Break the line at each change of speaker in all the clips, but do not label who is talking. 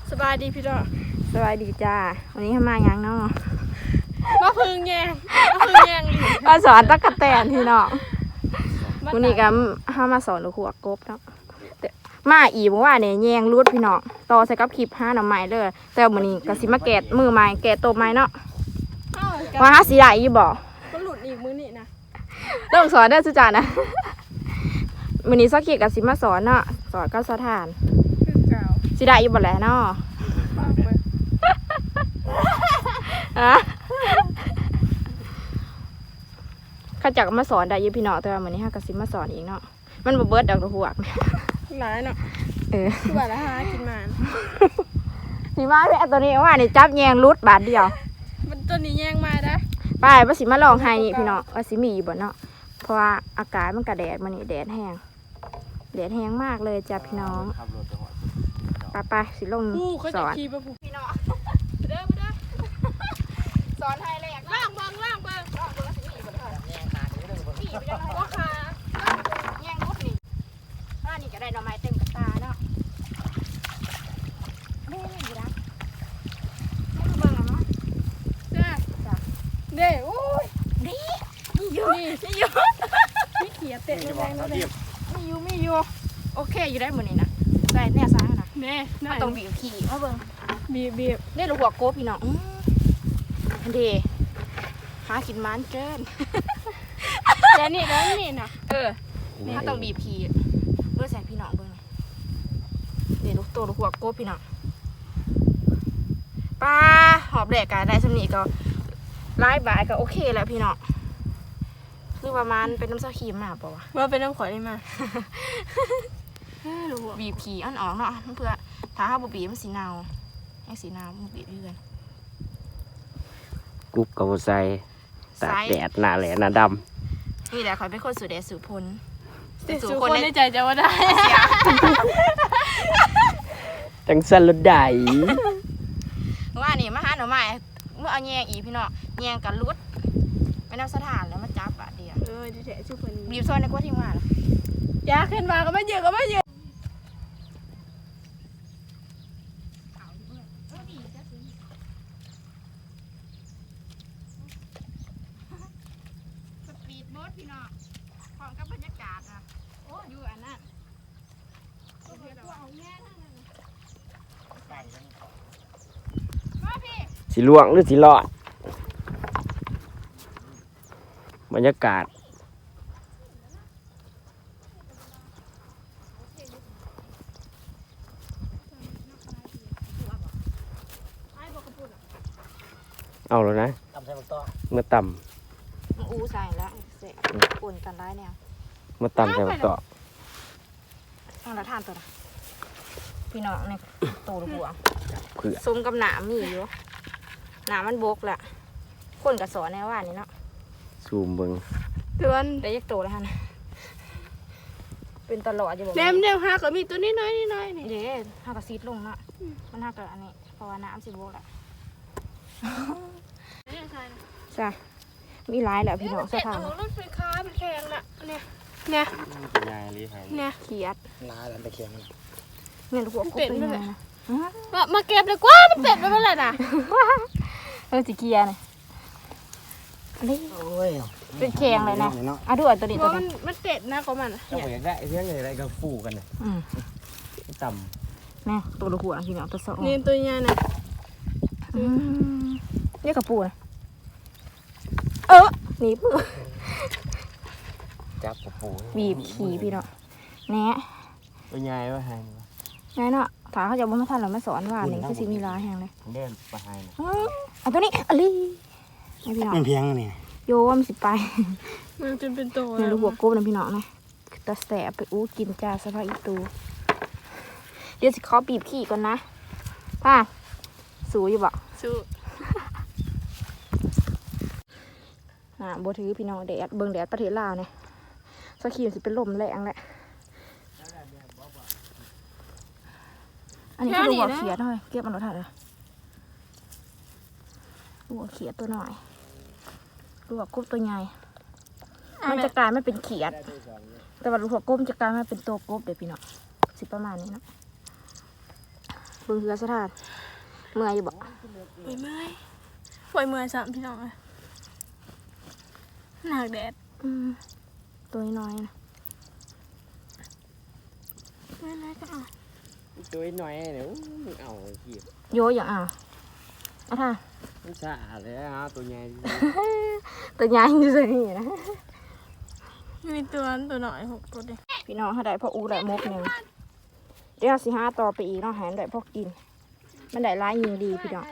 สบายดีพี่น้อง
สบายดีจ้าวันนี้ทำมายังเนาะ
มาพึ่งแยง
มาสอนตะกะแตนพี่น้องวันนี้ก็ห้ามาสอนลูกหัวกบเนาะมาอีบอกว่าเนี่ยแยงรูดพี่น้องต่อใส่กับคลิป5หน่อไม้เลยแต่วันนี้ก็สิมาแกะมือไม้แกะตัวไม้เนาะว่าหาสีได้ยี่บอก
ก็หลุดอีกมือนี่นะ
ต้องสอนได้สุจานะวันนี้สักขีกับสิมาสอนเนาะสอนก็สถานสีได้ยี่บอกแหละเนาะข้าจักมาสอนได้ยี่พี่น้องแต่ว่าวันนี้ห้ากระซิบมาสอนอีกเนาะมันบ่เบิดดอกหัว
หลายเนาะคือว่าละหากินมา
สีมาแม่ตัวนี้ว่านี่จับแยงรุดบาทเดียว
มันตัวนี้แยงมาได้
ไปว่าสิมาลองให้นี่พี่น้องว่าสิมีอยู่บ่เนาะเพราะว่าอากาศมันกระแดดมันนี่แดดแห้งมากเลยจ้ะพี่น้องไปสิลงสอนพี่น้องเด้อสอนให้เลย
ล่างเบิ้ง
สิมีบ่เด้อมีไปจังได๋บ่ค่ะแยงรุดนี่นี่ก็ได้ดอกไม้เต็มกระตาเนาะนี่อยู่นะนี่เบิ่งเนาะ
จ้ะเด้โอ้ย
นี่อยู่
นี่เขียเตะแรงๆเลย
ไม่อยู่โอเคอยู่ได้หมดนี่นะได้แน่ซ้ายนะ
แน่
มาต้องบีบขี่มาเบิ่ง
บีบ
นี่ลูกหัวโกบพี่น้องอันเดหากินมันเกิน
แล้วนี่นะ
มาต้องบีบขี่เพื่อใส่พี่น้องเบิ่งเดี๋ยวลูกหัวโกบพี่น้องปลาหอบแดกกันได้สำนีก็ไล่บ่ายก็โอเคแล้วพี่น้องคือประมาณเป็นน้ำซาครีมมาป่าวะ
ว่าเป็นน้ำข่อยได้มา
บีบขี่อ่อนๆเนาะเพื่อถ้าห้าบีบมันสีเนาให้สีเนามันบีบเพื่อน
กุ๊บกับใส่ตากแดดหน้าแหลหน้าด
ำนี่แหละคอยเป็นคนสูดแดดสูดพล
สูดคนในใจจะว่าได้
จังสันรถได้
ว่านี่มาหาหน่อไม้เมื่อเอาแยงอีพี่น้องแยงกับรุดไปน้ำสถานแล้วมาจับบาดเดียว
ดีแท้ชุบคน
บีบซอยในกว่าที่มาล่ะ
ยาขึ้นมาก็ไม่เยอะ
สปีดโบ๊ทพี่น้องพร้อมกับบรรยากาศนะโอ้อยู่อันนั้น
สีลวงหรือสีหลอดบรรยากาศเอาแล้วนะเมื่อต่
ำใส่แล้วเสร็จปุ่นกันได้เนี่ย
เมื่อต่ำใส่บักต่อ
เอาละทานตัวนะพี่น้องเนี่ยตูดหัวซุ้มกับหนามมีอยู่หนามมันบกแหละคนกับสอนในว่านี่เนาะ
ซูมเบิ้ง
เดือนได้ยักโตแล้วฮะเป็นตลอดอยู่บอก
เดี๋ยวหาก็มีตัวนี้น้อยนี่
เดี๋ยวหากระซีดลงเนาะมันหากระอันนี้เพราะว่าน้ำสิบโบกแหละจ้ะมีหลายแหละพี่น้องสถาน
รถไฟฟ้าเป็นแข็งละเนี่ย
เขียด
น้าดันตะเคียน
เนี่ยลูกหัวกบเป็นไงนะ
มาเก็บเลยกว่ามันเต็ดไปเมื่อไหร่น่ะ
สิเกียร์เนี่ยเป็นแข็งเลยนะดูอันตัวนี้ตัวนี้
มันเต็ดนะของมัน
ก็เหมือนได้เรื่องอะไรก็ฟูกันเลยต่
ำนี่ตัวลูกหัวพี่น้องตัวสอง
นี่ตัวใหญ่น่ะ
นี่กระปูนะนี่ปู
จับกระปู
บีบขี่พี่เนาะแน่
เป็นไงวะไฮ
ไงเนาะถามเขาจะบ่มาทันหรอไม่สอนว่าหนึ่งคือสิมีลายแห้งเลย
เดินไปไฮ
ตัวนี้อะไรพี่น้อง
เป็นเพียงนี่
โยมสิไป
มันจนเป็นตัว
เนี่ยลูกหัวกบนะพี่น้องนะตะแสบไปกินจ้าสภาพอีตูเดี๋ยวสิขอบีบขี่ก่อนนะป้าสู้อยู่บ่
สู้
โบถือพี่น้องแดดเบิ่งแดดประเทศลาวเนี่ยสกีมันสิเป็นลมแรงแหละอันนี้คือลูกหัวเขียดหน่อยเก็บมันรถถัดเลยลูกหัวเขียดตัวหน่อยลูกหัวกบตัวใหญ่มันจะกลายไม่เป็นเขียดแต่ว่าลูกหัวกบจะกลายไม่เป็นตัวกบเดี๋ยวพี่น้องสิประมาณนี้นะบิ่งเรือสถานเมื่อยอยู่บ่
ปล่อยเมื่อยซ้ำพี่น้องเลยหนักแดด
ตัวน้อยนะ
ไม่ก็เอา
ตัวน้อยเนี่ยเอาขี้
โยอย่างเอาท่า
มันสะอาดเลยฮะตัวใหญ่
ตัวใหญ่อยู่สินะ
มีตัวหน่อย6ตัวเดียว
พี่น้องเขาได้พออูได้มกหนึ่งเดี๋ยวสิหาต่อไปอีกเนาะหาได้พอกิน มันได้ร้ายยิงดีพี่น้อง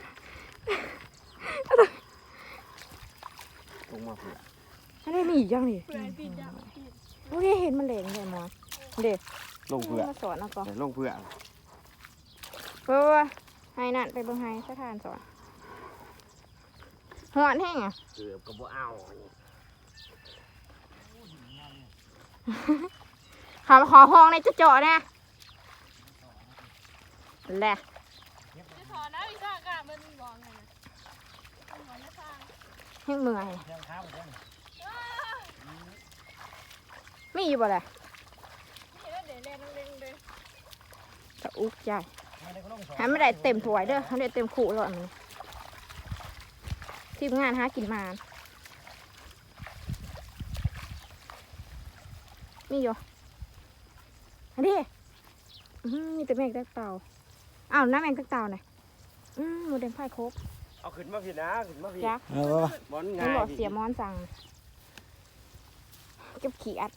ลงมาเผื่อ
อันนี้มีอีกอย่างดิ
เพื่อติดจับ
โอ้ยเห็นมันเหลงเลยมอนเด็ก
ลงเผื่อ
มาสอนเอาก่อน
ลงเผื่อ
เพื่อให้นั่นไปเบิ่งให้สถานสอนหอนแห้งอ่ะ
เกือบก็บ่เอา
ขอห้องในจะเจาะนะแหละ
จะถอนนะพี่ซ่ากะมันบอกไงนะมันบอกจะซ่า
ให้เมื่อยมีอยู่บ่แหละ
เห็นแล้วเดี๋ยวแรงเร่งเลย
ตะอุกใจให้ไม่ได้เต็มถ้วยเด้อให้ได้เต็มขู่เลยมันทีมงานหากินมามีอยู่อันนี้มีแต่แมงตักเต่าอ้าวน้ำแมงตักเต่าหน่อยหมูแดงไผ่ครบ
เอาขึ้นมาผิดนะขึ้นมาผิด
ยักษ์
บอล
มัน
ง่าย
บอกเสียมอนสั่งเก็บขี้อัด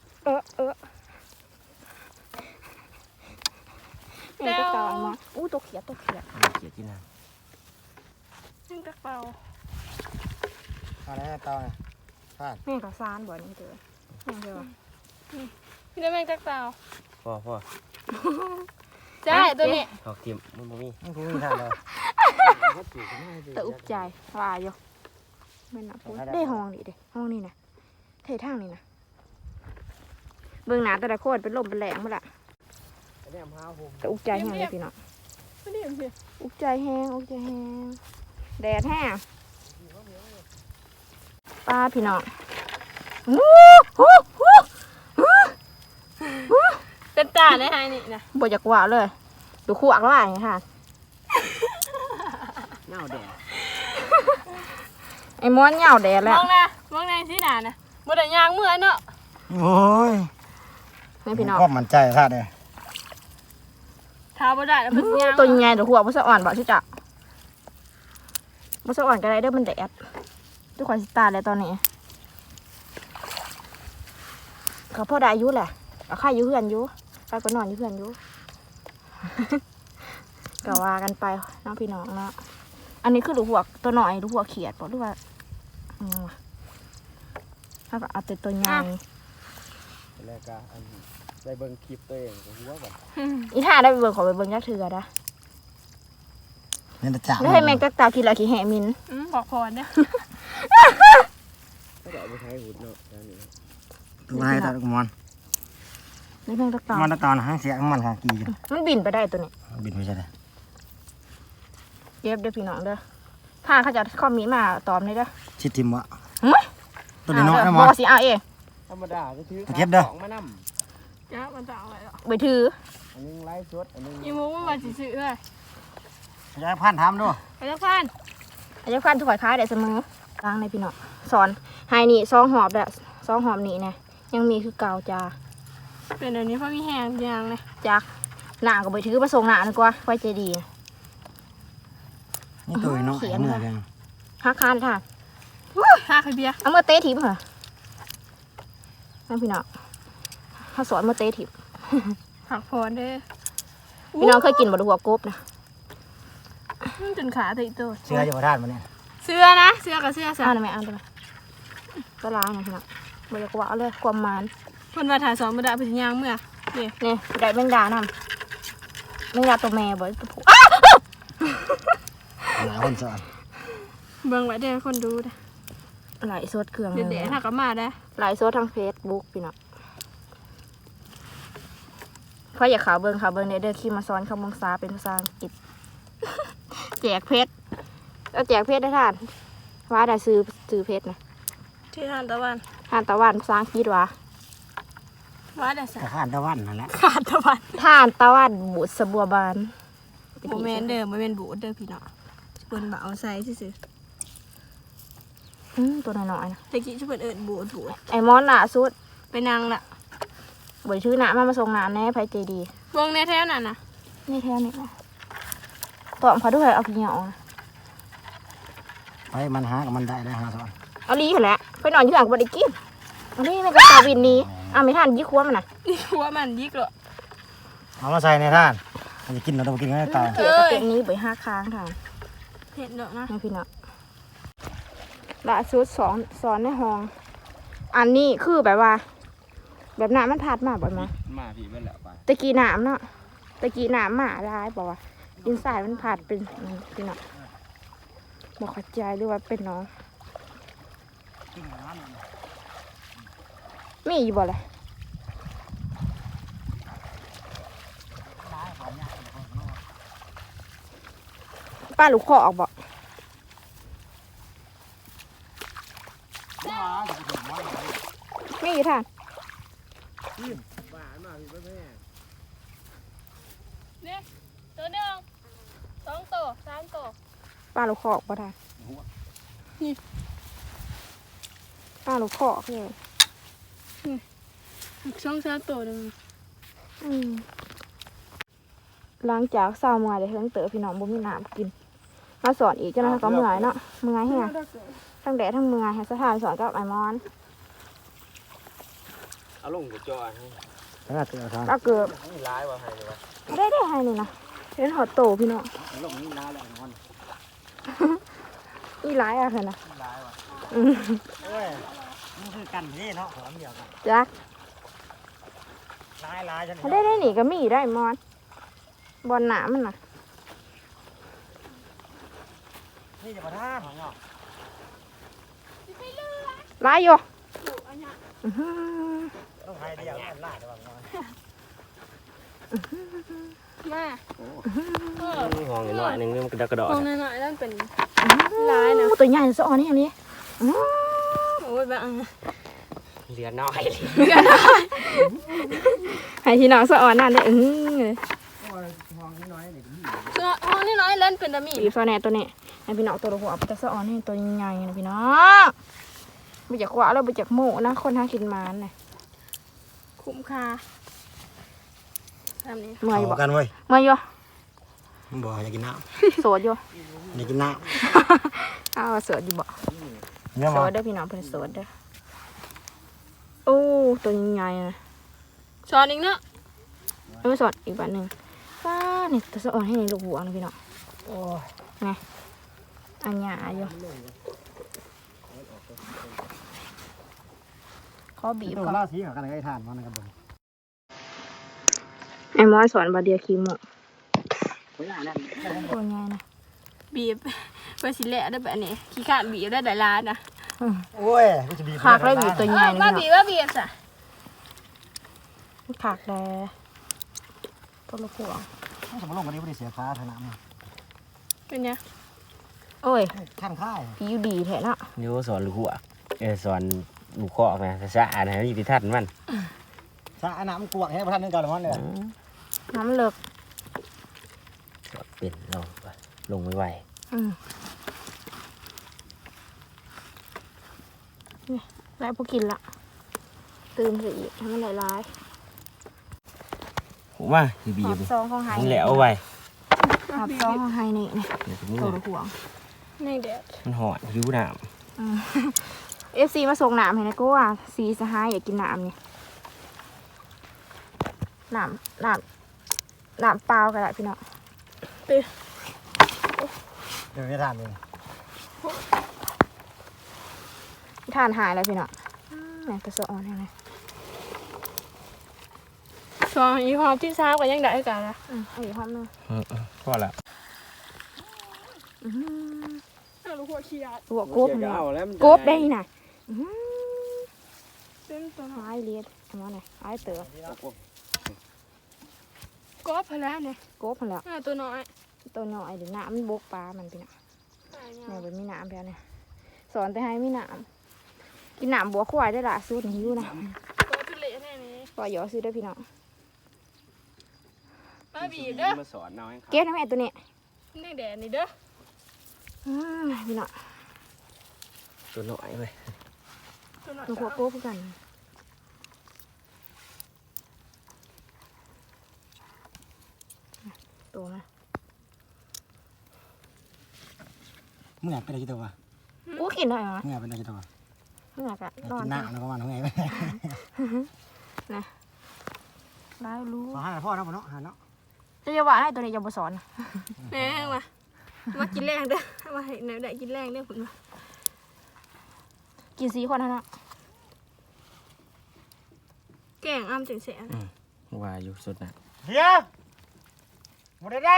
แมงตักเต่าเอามาตัวเขียด
เกียดที่นั่น
นึ่งตะเปา
อะไรเตาเนี่ยพลาด
แมงกระซานบ่นี่เจอแมงเจอ
พี่ได้แมงตะเปา
พ่อ
ใช่ตัวนี้
ถอกเทียมมันบ่มีมันบ่มีทางเลย
ตะอุกใจว่าอยู่ไม่นับได้ห้องนี่เด้ห้องนี่นะเททางนี่นะเบื้องหน้าแต่ละคนเป็นลมเป็นแหลงหมดละตะอุกใจแห้งเลยพี่น้อง
ไม่ได้เห็น
อุกใจแห้งแดดแห้งปลาพี่น้อง
เป็นตาได้ไงนี่นะ
บ่อยากว่าเลยดูคู่อักล่าอย่างนี้ค่ะ
เน่าแดด
ไอ้ม้วนเหงาแดด
ม
แล้ว
องในสีหนานะบ่ได้ยางเมื่อยเนาะ
โอ้ย
นี่พี่น้อง
ก็มั่นใจพลาดเลย
เท้าบ่ได้แล้วเป็นยาง
ตัวใหญ่เดี๋ยวหัวบ่สะอ่อนบ่ชิจ๊ะบ่สะอ่อนก็ได้เด้อมันแดดทุกคนสิตาเลยตอนนี้เขาพ่อได้อายุแหละเอาข้าอยู่เพื่อนอยู่ข้าก็นอนอยู่เพื่อนอยู่ ก็ว่ากันไปน้องพี่น้องเนาะอันนี้คือดูหัวตัวหน่อยดูหัวเขียดบอกดูว่าถ้าก็เอาแต่ตัวใหญ่
แล้วก็อันไปเบิ่งคลิปตัวเองก็หัวก่อน
อีท่าได้ไปเบิ่งขอไปเบิ่งยักษ์เถื่อนะ
นี่จะ
แล้วให้แมงตักตากินอะไรขี้แห่มิน
บอกพรเนี่ย
ก็เอาไปใช้หุ่นเนาะนี่ตัวให้ตากุมาร
นี่แมงตักตา
มันตอนหางเสียมันหางกีอยู่
มันบินไปได้ตัวนี้
บินไม่ใช่เลย
เก็บเด้อพี่น้องเด้อถ้าเขาจะข้อมีมาตอมเลยเด้อ
ชิดทิมวะ
เฮ้ย
ตัวน้อยนะ
บ
มั้
อง กสิเอาเอง
ธรรมดาก็ถือ
ไปถือ
อันนึงไล่สดอันนึง
อีมุ้งมาสิซื้อเลย
จะให้พันทำด้วย
ไปจักพัน
อาจจะฟันถอยค้ายได้เสมอล้างในพี่น้องสอนให้นี่ซองหอบแบบซองหอบนี่นะยังมีคือเก่าจ้า
เป็นเดี๋ยวนี้เพราะมีแหงยางเลย
จักหน้าก็ไปถือประสงค์หน้าดีกว่าไว้ใจดีนะ
นี่ตัวน้อยเหนื่อยจัง
ฮักคานค่ะ
ค่าขายเบียร์
เอามื่อเตะทิพย์เหรอนั่นพี่น้องเขาสอนมื่อเตะทิพย์
ผักพรเด้อ
พี่น้องเคยกินบะหัวกบนะ
จนขาติดตัว
เชื่ออยู่ประทานมันเนี่ย
เสื้อนะเสื้อกับเสื้อ
เอา
สา
ได้ไหมเอาได้ไหมก็ล้างนะพี่น้องบะกว่าเอาเลยความมัน
เพิ่นมาถ่ายสอนบ่ได้ไปสิยางเมื่อนี่
นี่ได้แมงดานำแมงดาตัวแม่บ่ตัวผู้
หลายคนสอน
เบิ่งไว้เด้อคนดูเด้อ
หลายสดเครื่อง
เดี๋ยวๆถ้าก็มาได้
หลายสดทางเฟซบุ๊กพี่น้องเพราะอยากข่าวเบิ่งเด้อขี้มาซ้อนคำมงซาเป็นภาษาอังกฤษ แจกเพชรเอาแจกเพชรได้ท่านว่าได้ซื้อเพชรนะ
ที่ทานตะวัน
ท่านตะวันภาษาอังกฤษว่า
ว่าได้สัก
แต่ข้านตะวันนั่นแหละ
ขาดตะวัน
ท่านตะวันบุษบัวบาน
โมเมนเดิมโมเมนบูดเดิมพี่น้องเพิ่นบ่เอาใส่ซื่อ
ตัวน้อยๆนะ
ๆตะกี้เพิ่นเอิ้นบูด
ไอ้มอนล่ะสุด
ไปนั่งละ
บ่ชื่อหน้ามาส่งน้ำแน่ไผใจดี
วงในแท้นั่นน่ะ
นี่แท้นี่นะตัวเขาด้วยเอาขี้เหนียวนะ
ไปมันหากับมันได้หาสอน
เอาลีเหรอแหละไปนอนอยู่หลังบ่ได้กินเอาลีไม่ก็ตาวินนี้ไม่ทันยี่คัวมันน่ะ
นี่หัวมันยิกเหรอ
เอามาใส่ในท่านมันจะกินเราต้องกินให้ตาย
เกี่ยวกับเต็มนี้ไป5ครั้งค่ะ
เห็นดอกนะ
นี่พี่น้องละสุดสอนในห้อง อันนี้คือแบบว่า แบบน้ำมันพัดมาบ่อยมั้ย
มาพี่เป็นแล้วไป
ตะกี้น้ำเนาะตะกี้น้ำมาได้บอกว่าดินทรายมันพัดเป็นพี่น้องบอกเข้าใจหรือว่าเป็นน้องมีอยู่บ่เลยป้าลูกคอออกบ่มีอยู่ท่าน
เนี่ยตัวหนึ่ง2ตัว3ตัว
ป้าลูกคอออกบ่ท่านนี่ป้าลูกคอออกเลย
2-3ตัวนึง
หลังจากเศร้าเมื่อยได้เฮิงเต๋อพี่น้องบ่มีน้ำกิน มาสอนอีกเจ้าหน้าที่ก็เมื่อยเนาะเมื่อยแฮะทั้งแดดทั้งเมื่อยให้สถานสอนกับไอ้มอน
เอาลงกับจอให้น่าเตือนทาง
ก็เกือบ
นี่ร้ายว่ะให้เลยวะ
ได้ให้นี่นะเห็นหอดโตพี่น้อง
ลงนี่ร้ายแล้วนอน
อีหลายอะค่ะนะ
ร้ายว่ะโอ้ยมันคือกันพี่เนาะหอมเดียวกัน
จัก
ร้ายฉัน
ถ้าได้หนีก็มีได้มอนบอลหนามันน่ะ
นี่จะมาท่าของเนาะ
หลายอยู่
ต้องให้เดียวกันล่าจะว่านอน
มา
ห้องหน่อยนึงมันกระดกกระดอ
ตรงน้อยๆนั่นเป็นลายนะ
ตัวใหญ่สะออนนี่อันนี้
โอ้ยแบบ
เหลือน้อย
ให้พี่น้องสะออนนั่นได้
ห้องน้อยนี่
ห้องนี่น้อยเล่นเป็นดามี
บีบซอแหน่ตัวนี้ให้พี่น้องตัวหัวไปจะสะออนให้ตัวใหญ่ๆนะพี่น้องไปจากขวาแล้วไปจากโม่นะคนหากินมานเนี่ย
คุ้มค่าทำนี้
เมื่อยอยู่บ่
กันเว้ย
เมื่อยอยู่
บ่อยากกินน้
โสดอยู่
ำอยากกินน้
อ้าวโสดอยู่บ่
ำเนี่ย
โส
มา
ดเด้อพี่น้องเพิ่นโสดเด้อโอ้ตัวใหญ่ๆนะ
ช้อนอีกเนาะ
แล้วมาสอดอีกบันหนึ่งป้าเนี่ยตัวสะออนให้ในลูกหัวนะพี่น้อง
โอ้ย
ไงอันหยาอยู่ขอบีบ
ตัว
ก่อน
ล่าสีกับกันไอ้ทานมันนะครับผม
ไอ้มอนสอนบาเดียคิโมะ
ตัวใหญ่นั่น
ตัวใหญ่นะ
บีบเพื่อสิแหละได้แบบนี้ขี้ขาดบีบได้หลายล้านนะ
โอ้ยกูจะบีบ
ขากเลยบีบตัวใหญ่นะ
ว่า
พี่
บีบว่าบีบจ้ะ
น้องขากแดตัวลูกหัว
สมมติลงวันนี้ไม่ได้เสียค่าเท่านั้น
เป็นไง
โอ้ย
ขั้นค่าย
พี่อยู่ดีแท้เนาะ
นี่ก็สอนลูกหัวสอนลูกคอมาสะอาดนะนี่พิทัศน์มัน
สระน้ำกวกให้พระท่านนึงก่อนหรือมันเลย
น้ำเลิก
เป็นลงไม่ไหว
แล้วพอกินละตื่นเสียอีกให้มันหลาย
ผมว่าคือ
ๆ
บี
หอ
บบ
ซองของไฮ
มันแหลวไว้
หอบซองของไฮนี่นี่
เดี๋ยว
ตัวลูกหัว
ในแดด
มันหอดหิวน้
FC มาส่งน้ำให้นะก็ว่าซีสหายอยากกินน้ำนี่น้ำเปล่าก็ได้พี่น้อง
เดี๋ยวไม่ทานเลย
ทานหายแล้วพี่น้องแหม่ตัวสะออนยังไง
ช้อนอีหอมที่ซ้าก็ยังได้กันนะ
เอาอีกความนึง
ำพอละ
ลูกหัวขี้ยา
ตัวกบเนี่ย
แล้ว
กบได้น่ะ
เป็นตัว
หายเลียดทำมาหน่อยหายเต๋อก
บพะแล้วเนี่ย
กบมันแล้ว
ตัวน้อย
ตัวน้อยเดี๋ยวน้ำมันบกปลามันพี่น้องเนี่ยเป็นมีน้ำแล้วเนี่ยสอนแต่ให้มีน้ำกินน้ำบัวควายได้ละสูตรหิวนะ
กบเป็นเละแน่นี้
ปล่อยหยอซื้อได้พี่น้อง
มาบีบเด้อ
มาสอนเอาให้ครับ
เก็บนะแม่ตัวนี้
นี่แดดนี่เด้อ
พี่น้อง
ตัวหน่อยเว้ย
หนูขอโก้พูดกันตัวนะ
มึงอยากเป็นอะไรกี่ตัววะ
อู้กินได้ไหม
มึงอยากเป็นอะไรกี่ตัววะ
ไม่อยากอะ
อยาก
ร้อ
กิ
น
นหน้าแล้วก็มันของไงไป
ได้รู้
ขอหาพ่อนะพ่อเนาะหาเนาะ
จะว่าให้ตัวนี้จะมาสอน
แหน่มากินแรงเด้อมาให้ไหนได้กินแรงเด้อคุณมา
กิน4 คนนะ
แกงอ้ำจังแสน
ว่าอยู่สุดนะ
เดี๋ยวหมดได้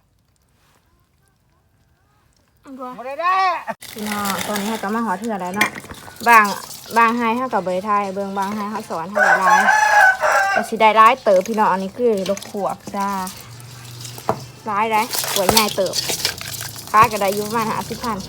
อันตัว
หมดได้
พี่น้องตอนนี้ให้ก็มาหอเถื่อแล้วเนาะบางให้ให้กับเบยไทยเบิงบางให้เขาสอนให้ได้ร้ายแต่สิได้ร้ายเติบพี่น้องอันนี้คือลูกขวบจ้าร้ายได้สวยง่ายเติบค้าก็ได้อยุประมาณ50,000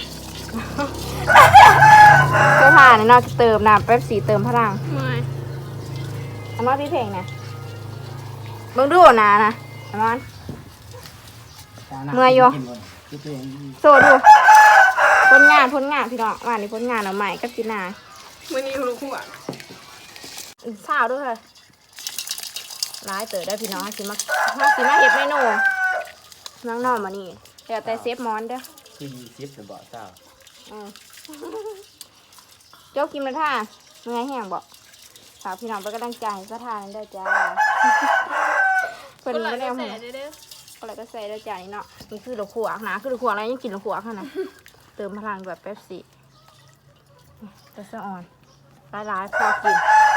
เสื้อผ้าเนี่ยเนาะเติมน้ำแป๊บสีเติมพลัง
เมื่อย
อันนั้นพี่เพลงนะเบิ่งดูนะอันนั้น เมื่อยอยู่ โซดูผลงานพี่น้องว่านี่ผลงานเอาใหม่กับจีน่า
มื้อนี้ลูกหัว
เช้าด้วยค่ะร้ายเต๋อได้พี่น้องสิมาเห็ดเมนูน้องนอนมานี่เดี๋ยวแต่เซฟมอนเด้อ
คือ20จะบ่เจ้า
อืมเจ้ากินมาท่าเมื่อยแห้งบอกฝากพี่น้องไปนกำลังใจให้สะทานได้จ้าเพิ่น
คนละ
ไม่ได้เอา
แส
หัวน
เด้อ
อะไรก็ใส่ได้จ้านี่เนาะนี่คือดอกขวากนะคือดอกขวากอะไรยังกินดอกขวากขนาดเติมพลังแบบเป๊ปซี่แต่สะอ่อนร้ายๆพอกิน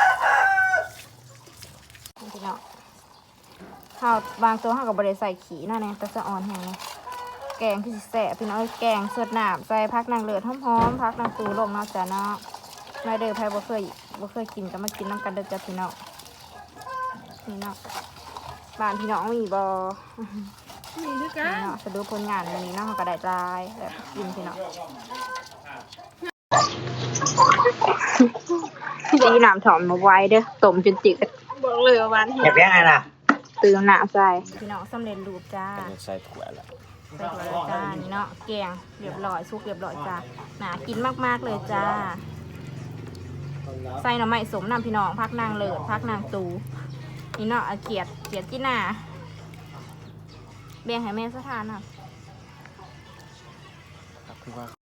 พี่น้องข้าวบางตัวข้าวกับบริใส่ขี้นั่นเองแต่สะอ่อนแห้งเลยแกงที่สิแสบพี่น้องแกงสดน้ำใส่พักนางเลือดหอมๆพักนางตูลงเนาะจ้ะเนาะไม่เด้อไพ่บ่เคยกินก็มากินน้ำกันเด้อจ้ะพี่น้องนี่เนาะบ้านพี่น้องมีบ่
นี่คือกั
นี่
น
เนาะสะดูผลงานวันนี้เนาะเขาก็ได้รายแบบกินพี่น้องตีน้ำถอมมาไว้เด้อต้มจนจืด
บอกเลยว่าหวาน
อยากเลี้ยงอะไรล่ะ
เติมน้ำใส่พี่น้องสำเร็จรูปจ้า
เป็นใส่ถ้วยละ
ใส่ถั่วแล้วจ้านี่เนาะแกงเรียบร้อยซุกเรียบร้อยจ้าน่ากินมากๆเลยจ้าใส่หน่อไม้สมน้ำพี่น้องพักนางเลิศพักนางตูนี่เนาะเอาเกียดจีน่าแบ่งให้แม่สะทานน่ะ
ครับคือว่า